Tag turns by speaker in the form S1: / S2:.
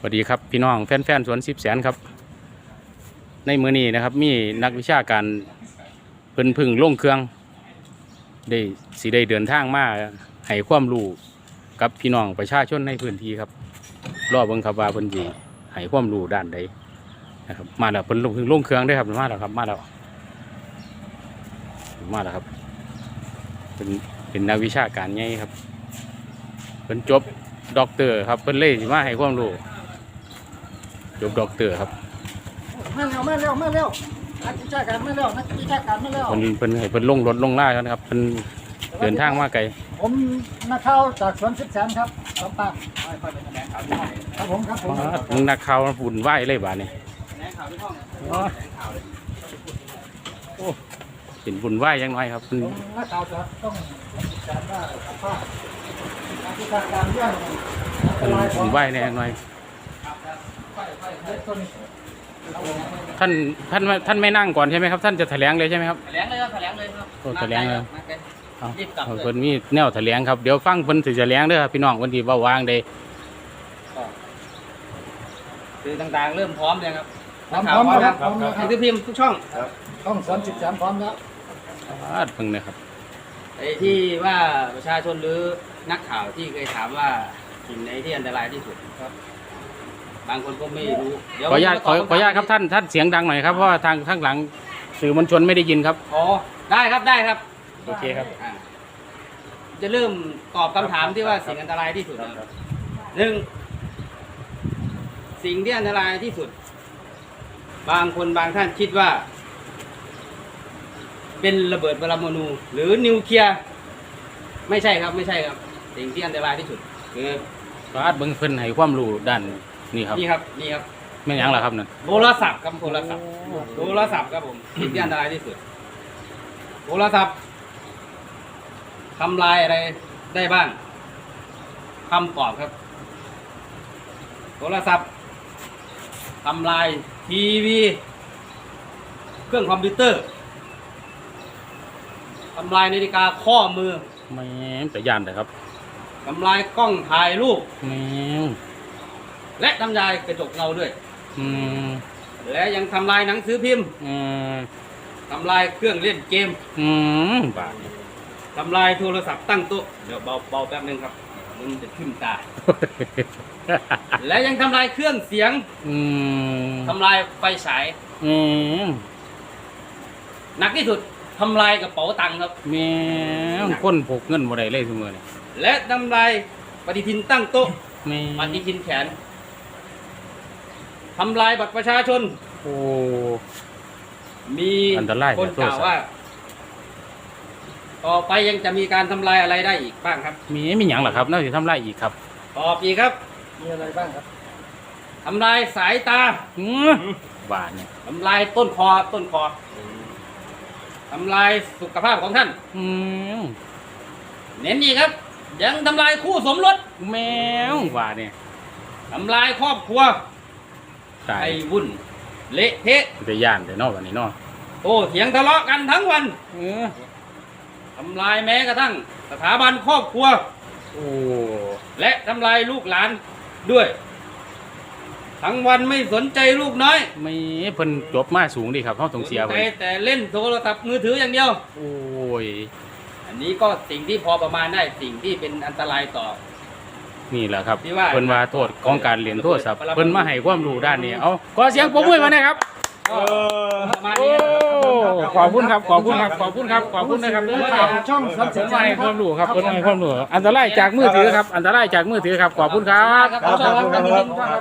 S1: สวัสดีครับพี่น้องแฟนๆสวน10 แสนครับในมื้อนี้นะครับมีนักวิชาการเพิ่นพึ่งลงเครื่องได้เดินทางมาให้ความรู้กับพี่น้องประชาชนในพื้นที่ครับรอเบิ่งครับว่าเพิ่นสิให้ความรู้ด้านใดนะครับมาแล้วเพิ่นพึ่งลงเครื่องได้ครับมาแล้วครับมาแล้วครับเป็นนักวิชาการใหญ่ครับเพิ่นจบด็อกเตอร์ครับเพิ่นเลยสิมาให้ความรู้จบด็อกเตอร์ครับ
S2: มาเร็วนักวิชาการมาเร็ว
S1: เพิ่นให้เพิ่นลงรถลงล่ากันครับเพิ่นเดินทางมาไกล
S2: ผมนักข่าวจากสวน10 แสนครับสองปากครับผม
S1: มึงนักข่าวฝุ่นไหวเลยบ้านี่โอ้เป็นฝุ่นไหวยังน้อยครับ
S2: นักข่าวจะต้องการว่าสภาพนักวิชาการเรื่อง
S1: ฝุ่นไหวแน่ยังน้อยท่านไม่นั่งก่อนใช่ไหมครับท่านจะแถลงเลยใช่ไหมครับ
S3: แถลงเลยครับแถลงเลยครับ
S1: แถลงเลย
S3: รีบกลับเลย
S1: เพิ่นมีแนวแถลงครับเดี๋ยวฟังเพิ่นสิแถลงเด้อพี่น้องวันที่ว่าวางได้
S3: คือต่างๆเริ่มพร้อมเลยครับ
S2: พร้อมครับ
S3: หนังสือพิมพ์ทุกช่อง
S2: ช่องสวน10 แสนพร้อมแล้ว
S1: เพิ่งนะครับ
S3: ไอ้ที่ว่าประชาชนหรือนักข่าวที่เคยถามว่าสิ่งไหนที่อันตรายที่สุดครับบางคนก็ไม่รู้
S1: ขออนุญาตครับท่านเสียงดังหน่อยครับเพราะว่าทางข้างหลังสื่อมวลชนไม่ได้ยินครับ
S3: อ๋อได้ครับ
S1: โอเคครับ
S3: จะเริ่มตอบคำถามที่ว่าสิ่งอันตรายที่สุดหนึ่งสิ่งที่อันตรายที่สุดบางคนบางท่านคิดว่าเป็นระเบิดปรมาณูหรือนิวเคลียร์ไม่ใช่ครับสิ่งที่อันตรายที่สุดคือ
S1: เบิ่งเพิ่นให้ความรู้ด้านนี่ครับไม่ยังหรอครับนั่น
S3: โทรศัพท์ครับโทรศัพท์ครับผมสิ่งที่อันตรายที่สุดโทรศัพท์ทำลายอะไรได้บ้างคำตอบครับโทรศัพท์ทำลายทีวีเครื่องคอมพิวเตอร์ทำลายนาฬิกาข้อมือ
S1: ไม่แต่ย่านแต่ครับ
S3: ทำลายกล้องถ่ายรูปและทำลายกระจกเงาด้วยและยังทำลายหนังสือพิมพ์ทำลายเครื่องเล่นเกมทำลายโทรศัพท์ตั้งโต๊ะเดี๋ยวเบาแป๊บนึงครับมันจะขึ้นตา และยังทำลายเครื่องเสียงทำลายไฟฉายหนักที่สุดทำลายกระเป๋าตังค์ครับ
S1: คนพกเงินบ่ได้เลยทุกมื้อนี่
S3: และทำลายปฏิทินตั้งโต๊ะปฏิทินแขนทำลายบัตรประชาชนมีคนกล่าวว่าต่อไปยังจะมีการทำลายอะไรได้อีกบ้างครับ
S1: มีอย่างหรอครับน่าจะทำลายอีกครับ
S3: ตอบอีกครับ
S2: มีอะไรบ้างครับ
S3: ทำลายสายตา
S1: บ้าเนี่ย
S3: ทำลายต้นคอทำลายสุขภาพของท่านเน้นอีกครับยังทำลายคู่สมรส
S1: แมวบ้าเนี่ย
S3: ทำลายครอบครัวไอ้วุ่นเละเทะ
S1: จะย่านแต่นอกวันนี้นอก
S3: เถียงทะเลาะกันทั้งวันทำลายแม้กระทั่งสถาบันครอบครัวและทำลายลูกหลานด้วยทั้งวันไม่สนใจลูกน้อย
S1: ไม่เพิ่นจบมาสูงดีครับเขาต้องเสียไป
S3: แต่เล่นโทรศัพท์มือถืออย่างเดียวอันนี้ก็สิ่งที่พอประมาณได้สิ่งที่เป็นอันตรายต่อ
S1: นี่แหละครับเพิ่นว่าโทษของการเรียนโทรศัพท์เพิ่นมาให้ความรู้ด้านนี้เอาขอเสียงปรบมือมาหน่อยครับขอบคุณนะครับ
S2: ช่อง
S1: เสริมให้ความรู้ครับเพิ่นให้ความรู้อันตรายจากมือถือครับขอบคุณครับ